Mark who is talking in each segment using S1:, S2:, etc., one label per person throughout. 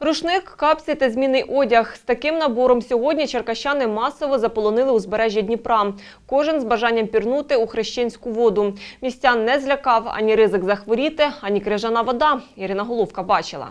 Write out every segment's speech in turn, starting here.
S1: Рушник, капці та змінний одяг. З таким набором сьогодні черкащани масово заполонили узбережжя Дніпра. Кожен з бажанням пірнути у хрещенську воду. Містян не злякав ані ризик захворіти, ані крижана вода. Ірина Головка бачила.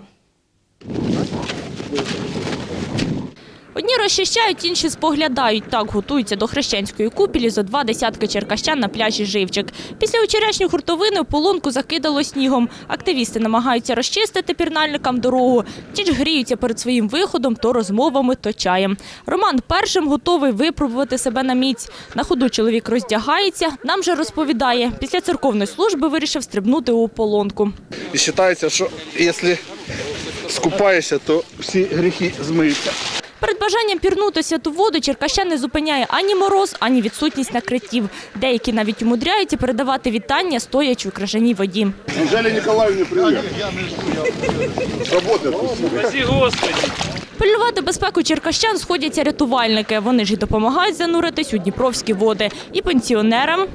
S2: Одні розчищають, інші споглядають. Так готуються до хрещенської купілі зо 20 черкащан на пляжі Живчик. Після вчорашньої хуртовини ополонку закидало снігом. Активісти намагаються розчистити пірнальникам дорогу. Ті ж гріються перед своїм виходом то розмовами, то чаєм. Роман першим готовий випробувати себе на міць. На ходу чоловік роздягається, нам же розповідає. Після церковної служби вирішив стрибнути у ополонку.
S3: І вважається, що якщо скупаєшся, то всі гріхи змиються.
S2: Перед бажанням пірнути святу воду черкащан не зупиняє ані мороз, ані відсутність накриттів. Деякі навіть умудряються передавати вітання, стоячи у крижаній воді.
S3: Анжелі Ніколаївні, привіт. Роботи тут.
S2: Пильнувати безпеку черкащан сходяться рятувальники. Вони ж і допомагають зануритись у дніпровські води. І пенсіонерам,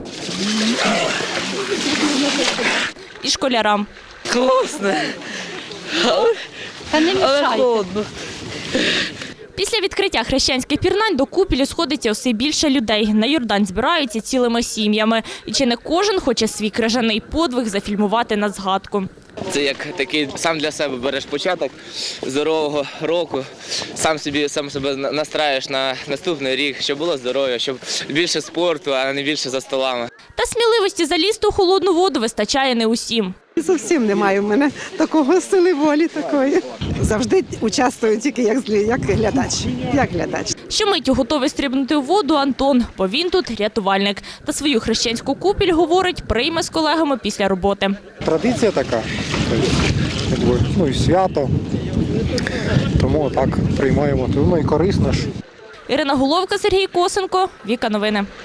S2: і школярам.
S4: Класно, але холодно.
S2: Після відкриття хрещенських пірнань до купілі сходиться все більше людей. На Йордан збираються цілими сім'ями. І чи не кожен хоче свій крижаний подвиг зафільмувати на згадку.
S4: Це як такий, сам для себе береш початок здорового року, сам себе настраюєш на наступний рік, щоб було здоров'я, щоб більше спорту, а не більше за столами.
S2: Та сміливості залізти у холодну воду вистачає не усім.
S5: Зовсім немає в мене такого сили волі такої. Завжди участвую тільки як глядач.
S2: Щомиттю готовий стрибнути у воду Антон, бо він тут рятувальник. Та свою хрещенську купіль, говорить, прийме з колегами після роботи.
S6: Традиція така, і свято, тому так приймаємо. Ну і корисно ж.
S2: Ірина Головка, Сергій Косенко, Віка Новини.